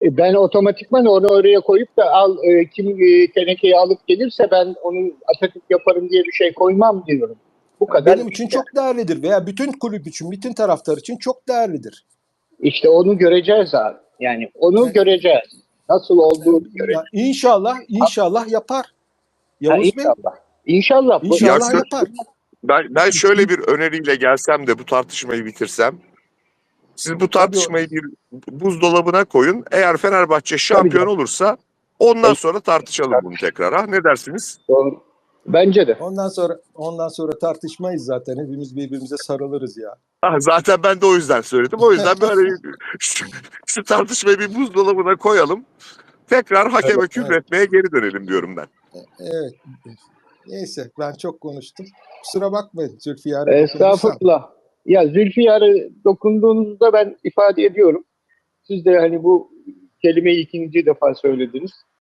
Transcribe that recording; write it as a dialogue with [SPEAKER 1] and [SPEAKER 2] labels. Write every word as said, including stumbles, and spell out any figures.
[SPEAKER 1] E, Ben otomatikman onu oraya koyup da al e, kim e, tenekeyi alıp gelirse ben onu Atatürk yaparım diye bir şey koymam diyorum. Bu kadar.
[SPEAKER 2] Benim için çok değerlidir veya bütün kulüp için, bütün taraftar için çok değerlidir.
[SPEAKER 1] İşte onu göreceğiz abi. Yani onu göreceğiz. Nasıl olduğunu
[SPEAKER 2] Ya
[SPEAKER 1] göreceğiz.
[SPEAKER 2] inşallah, inşallah yapar.
[SPEAKER 1] Ha,
[SPEAKER 2] Yavuz Bey,
[SPEAKER 1] inşallah. İnşallah. Bu,
[SPEAKER 3] Ya
[SPEAKER 2] inşallah
[SPEAKER 3] kö-
[SPEAKER 2] yapar.
[SPEAKER 3] ben, ben şöyle bir öneriyle gelsem de bu tartışmayı bitirsem. Siz bu
[SPEAKER 2] Tabii o,
[SPEAKER 3] tartışmayı bir buzdolabına koyun. Eğer Fenerbahçe
[SPEAKER 1] tabii
[SPEAKER 3] şampiyon
[SPEAKER 1] canım.
[SPEAKER 3] olursa ondan sonra tartışalım bunu tekrar. Ha, ne dersiniz?
[SPEAKER 1] Doğru. Bence de.
[SPEAKER 2] ondan sonra ondan sonra tartışmayız zaten. Hepimiz birbirimize sarılırız ya.
[SPEAKER 3] Ha, zaten ben de o yüzden söyledim. O yüzden böyle şu, şu tartışmayı bir buzdolabına koyalım. Tekrar hakeme küfretmeye geri dönelim diyorum ben.
[SPEAKER 2] Evet. Neyse ben çok konuştum. Kusura bakmayın Zülfiyar'a dokunduysam.
[SPEAKER 1] Estağfurullah. Ya Zülfiyar'ı dokunduğunuzda ben ifade ediyorum. Siz de hani bu kelimeyi ikinci defa söylediniz.